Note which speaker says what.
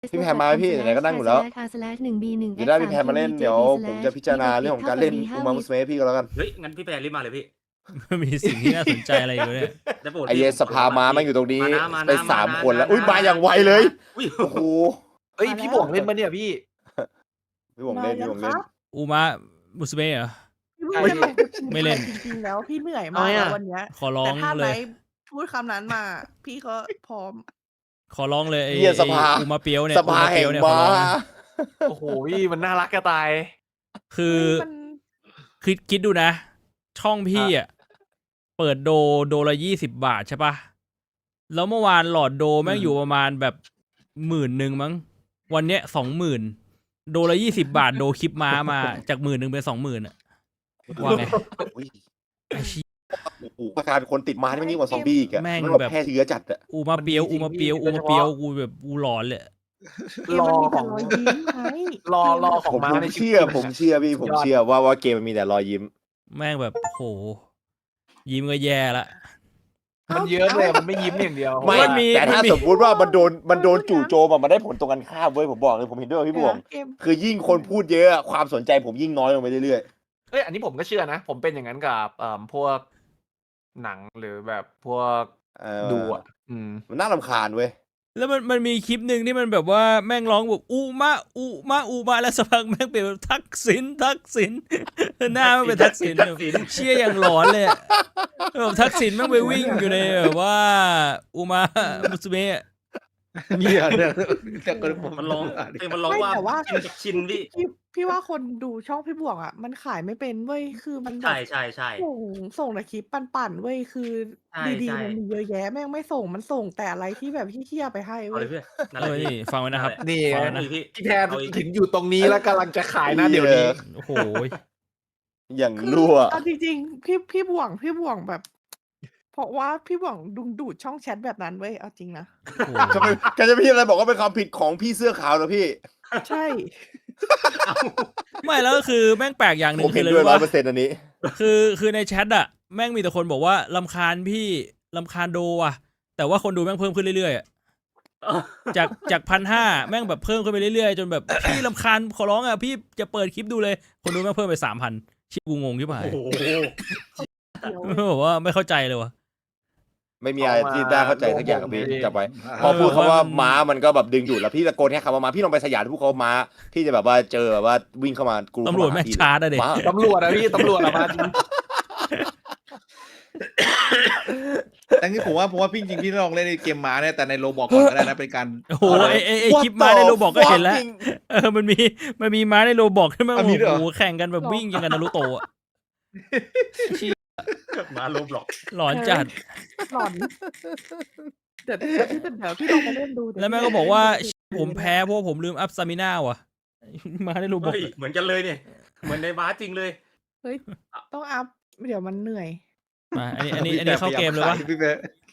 Speaker 1: พี่แพนมาไหมพี่ไหนๆก็นั่งอยู่แล้ว
Speaker 2: 1B1
Speaker 1: เดี๋ยวได้พี่แพนมาเล่นเดี๋ยวผมจะพิจารณาเรื่องของการเล่นอุมามุสเมะพี่ก็แล้วกัน
Speaker 3: เฮ้ยงั้นพี่แพนรีบมาเลยพี่
Speaker 4: มีสิ่งที่น่าสนใจอะไรอยู่เนี่ย
Speaker 3: แต่ปกติ
Speaker 1: ไอเยสภามามันอยู่ตรงนี้
Speaker 3: มา
Speaker 1: ไป
Speaker 3: นะ
Speaker 1: 3 คนแล้ว
Speaker 3: มานะ
Speaker 1: อุ้ยมาอย่างไวเลย
Speaker 3: อุ้ย
Speaker 1: โอ้โห
Speaker 5: เฮ้ยพี่บวงเล่นมาเนี่ยพี่
Speaker 1: พี่วงเล่นพี่วงเล่น
Speaker 4: อูมะมุสเมะเหรอ
Speaker 6: พี่พูดจะบอกว่าจริงๆ
Speaker 4: ไม่เล่น
Speaker 6: จริงๆแล้วพี่เหนื่อยมากแล้ววันเนี้ย
Speaker 4: ขอร้อ
Speaker 6: แต่
Speaker 4: ง
Speaker 6: ถ้า
Speaker 4: เล
Speaker 6: ไหน
Speaker 4: ย
Speaker 6: พูดคำนั้นมา พี่ก็พร้อม
Speaker 4: ขอร้องเลยไอ้
Speaker 1: เหี้ยสภา
Speaker 4: อูมาเปียวเนี่ย
Speaker 1: สภา
Speaker 4: อูม
Speaker 1: แห่ง
Speaker 4: เปียวเนี่ย
Speaker 1: ม้า
Speaker 4: ขอร้อง
Speaker 5: โอ้โหพี่มันน่ารักกระตาย
Speaker 4: คือ
Speaker 6: มัน
Speaker 4: คิดดูนะ ช่องพี่อ่ะเปิดโดละ20 บาทใช่ปะแล้วเมื่อวานหลอดโดแม่งอยู่ประมาณแบบ10,000มั้งวันเนี้ย20,000โดละ20 บาทโดคลิปม้ามาจาก10,000เป็น20,000อ่ะว่าไง
Speaker 1: อุ้ย
Speaker 4: ไอ้เชี่ย
Speaker 1: โอ้โหประการคนติดม้านี่มันยิ่งกว่าซอมบี้อีกอะ
Speaker 4: แม่ง
Speaker 1: มัน
Speaker 4: แบบ
Speaker 1: แพร่เชื้อจัดอะ
Speaker 4: อูมาเปียวอูมาเปียวอูมาเปียวกูแบบกูหลอนเลย
Speaker 5: รอ
Speaker 6: มันมี
Speaker 5: ข
Speaker 6: แต่
Speaker 5: อง
Speaker 6: รอยยิ้มไง
Speaker 5: รอข
Speaker 1: ผ
Speaker 5: อง
Speaker 1: ม
Speaker 5: ม้าใน
Speaker 1: เชื่อผมเชื่อพี่ผมเชื่อว่าเกมมันมีแต่รอยยิ้ม
Speaker 4: แม่งแบบโหยิ้มก็แย่ละ
Speaker 5: มันเยอะเลยมันไม่ยิ้มอย่างเดียว
Speaker 1: ไม่
Speaker 4: มันมี
Speaker 1: แต่ถ้า
Speaker 4: มันมี
Speaker 1: สมมติว่ามันโดนจู่โจมอะมันได้ผลตรงกันข้ามเว้ยผมบอกเลยผมเห็นด้วยกับพี่บวง
Speaker 6: เกม
Speaker 1: คือยิ่งคนพูดเยอะอะความสนใจผมยิ่งน้อยลงไปเรื่อย
Speaker 5: เอ้ยอันนี้ผมก็เชื่อนะ ผมเป็นอย่างนั้นกับพวกหนังหรือแบบพวก
Speaker 1: ๆ
Speaker 5: ดูอ่ะ
Speaker 1: มันน่ารำคาญเว้ย
Speaker 4: แล้วมันมีคลิปหนึ่งที่มันแบบว่าแม่งร้องแบบอูมาแล้วสักพักแม่งเป็นแบบทักษิณหน้ามันเป็นทักษิณแบบเชี่ยอย่างหลอนเลยอะแบบทักษิณแม่งไปวิ่งอยู่ในแบบว่าอูมามุสเมะ
Speaker 7: เนี่ยแต่คนผม
Speaker 3: มันร้องเพลงมันร้อง
Speaker 6: ไม่
Speaker 3: ว่า
Speaker 6: แต่ว่า
Speaker 3: ชินกับชินพี่
Speaker 6: พี่ว่าคนดูช่องพี่บวงอ่ะ มันขายไม่เป็นเว้ยคือมันแบ
Speaker 3: ใช่
Speaker 6: บ
Speaker 3: ใช่ใช่
Speaker 6: ส่งแต่คลิปปั่นๆเว้ยคือ
Speaker 3: ใช่
Speaker 6: ดี
Speaker 3: ใช่
Speaker 6: ๆมันมีเยอะแยะแม่งไม่ส่งมันส่งแต่อะไรที่แบบเฮี้ยๆไปให้
Speaker 3: เอา
Speaker 6: เว้
Speaker 3: เลย ยพี่นั่น
Speaker 4: เอ
Speaker 3: แหละ
Speaker 4: อ
Speaker 3: พี่
Speaker 4: นี่ฟังไว้นะครับ
Speaker 5: นี่
Speaker 4: ฟัง
Speaker 5: ไง
Speaker 4: ไว้นะ
Speaker 3: พี่
Speaker 5: พี่แพนถึงอยู่ตรงนี้แล้วกำลังจะขายนะเดี๋ยวนี้
Speaker 4: โอ้โห
Speaker 1: อย่าง
Speaker 6: คือ
Speaker 1: รั่ว
Speaker 6: เอาจริงๆพี่บวงแบบ เพราะว่าพี่บวงดูดช่องแชทแบบนั้นเว้ยเอาจริงนะ
Speaker 4: โอ้โห
Speaker 1: แกจะพี่อะไรบอกว่าเป็นความผิดของพี่เสื้อขาวเหรอพี่
Speaker 6: ใช่
Speaker 4: ไม่แล้วก็คือแม่งแปลกอย่างหนึ่
Speaker 1: ผ
Speaker 4: ง
Speaker 1: ม
Speaker 4: คื
Speaker 1: เห็
Speaker 4: อน เลย
Speaker 1: ด้วย
Speaker 4: ว่า
Speaker 1: 100%อันนี้
Speaker 4: คือในแชทอะแม่งมีแต่คนบอกว่าลำคาญพี่ลำคาญโดอะแต่ว่าคนดูแม่งเพิ่มขึ้นเรื่อยๆอะจาก1,500แม่งแบบเพิ่มขึ้นไปเรื่อยๆจนแบบพี่ลำคาญขอร้องอะพี่จะเปิดคลิปดูเลยคนดูแม่งเพิ่มไป3,000ชิบกูงงที่ผ่าน
Speaker 3: โอ้โห
Speaker 4: บอกว่าไม่เข้าใจเลยวะ
Speaker 1: ไม่มีอะไรที่ได้เข้าใจสักอย่างกับพี่จับไว้พอพูดคำว่าม้ามันก็แบบดึงดูดแล้วพี่ตะโกนแค่คำว่าม้าพี่ลองไปสยามพูดคำว่าม้าพี่จะแบบว่าเจอแบบว่าวิ่งเข้ามากรู
Speaker 4: ตำรวจแม่งชาร์จอะเด็ก
Speaker 1: ม้า
Speaker 5: ตำรวจอะพี่ตำรวจอะมาจริง
Speaker 7: แต่นี่ผมว่าพี่จริงพี่ลองเล่นในเกมม้าเนี่ยแต่ในโรบอกก่อนก็ได้นะเป็นการ
Speaker 4: โอ้โหไอคลิปม้าในโรบอกก็เห็นแล้วมันมีม้าในโรบอกที่แม่งโอ้โหแข่งกันแบบวิ่งอย่างกันนารูโตะอะ
Speaker 3: มาลบหรอก
Speaker 4: หลอนจัด
Speaker 6: หลอนเดี๋ยวพี่ลองมาเล่นดู
Speaker 4: แล้วแม่ก็บอกว่าผมแพ้เพราะผมลืมอัพสตามิน่าว่ะ มาในโรบอก
Speaker 3: เฮ้ยเหมือนกันเลยเนี่ยเหมือนในม้าจริงเลย
Speaker 6: เฮ้ยต้องอัพเดี๋ยวมันเหนื่อย
Speaker 4: มาอันนี้เข้าเกมเลยวะ
Speaker 7: พี่เป๊ะ